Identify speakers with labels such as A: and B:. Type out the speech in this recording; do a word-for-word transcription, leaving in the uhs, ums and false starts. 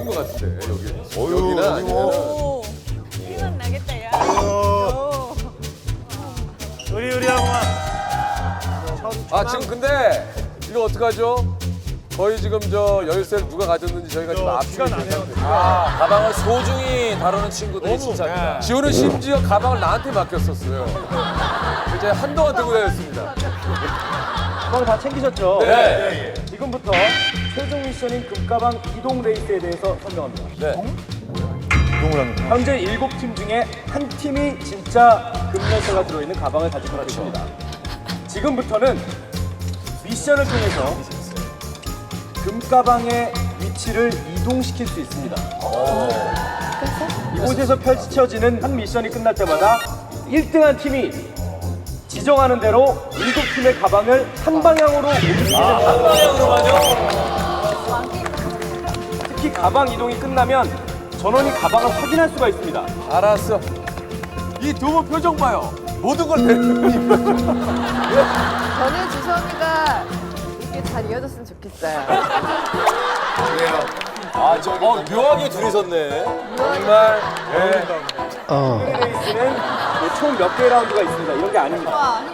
A: 것 같은데 여기.
B: 어휴,
A: 여기는
B: 여기
A: 아니면
B: 뭐.
C: 오, 피는 나겠다, 야.
B: 어.
C: 오.
B: 으리으리하구만.
A: 아 지금 근데 이거 어떡하죠? 거의 지금 저 열쇠를 누가 가졌는지 저희가 지금 앞뒤가 나네요.
D: 아, 가방을 소중히 다루는 친구들이 진짜입니다.
A: 지호는 심지어 가방을 나한테 맡겼었어요. 이제 한동안 들고 다녔습니다.
E: 가방 다 챙기셨죠?
A: 네.
E: 지금부터 최종 미션인 금가방 이동 레이스에 대해서 설명합니다.
D: 네.
E: 현재 일곱 팀 중에 한 팀이 진짜 금열쇠가 들어있는 가방을 가지고 있습니다. 지금부터는 미션을 통해서 금가방의 위치를 이동시킬 수 있습니다. 이곳에서 펼쳐지는 한 미션이 끝날 때마다 일 등한 팀이 지정하는 대로 일곱 팀의 가방을 한 방향으로 옮기게 됩니다. 한 방향으로만요? 특히 가방 이동이 끝나면 전원이 가방을 확인할 수가 있습니다.
A: 알았어. 이 두 분 표정 봐요. 모든 걸 내는
F: 저는 주성이가 이렇게 잘 이어졌으면 좋겠어요.
D: 아, 저, 어, 묘하게 둘이 섰네.
A: 정말. 예.
E: 레이스는 총 몇 개의 라운드가 있습니다. 이런 게 아닙니다.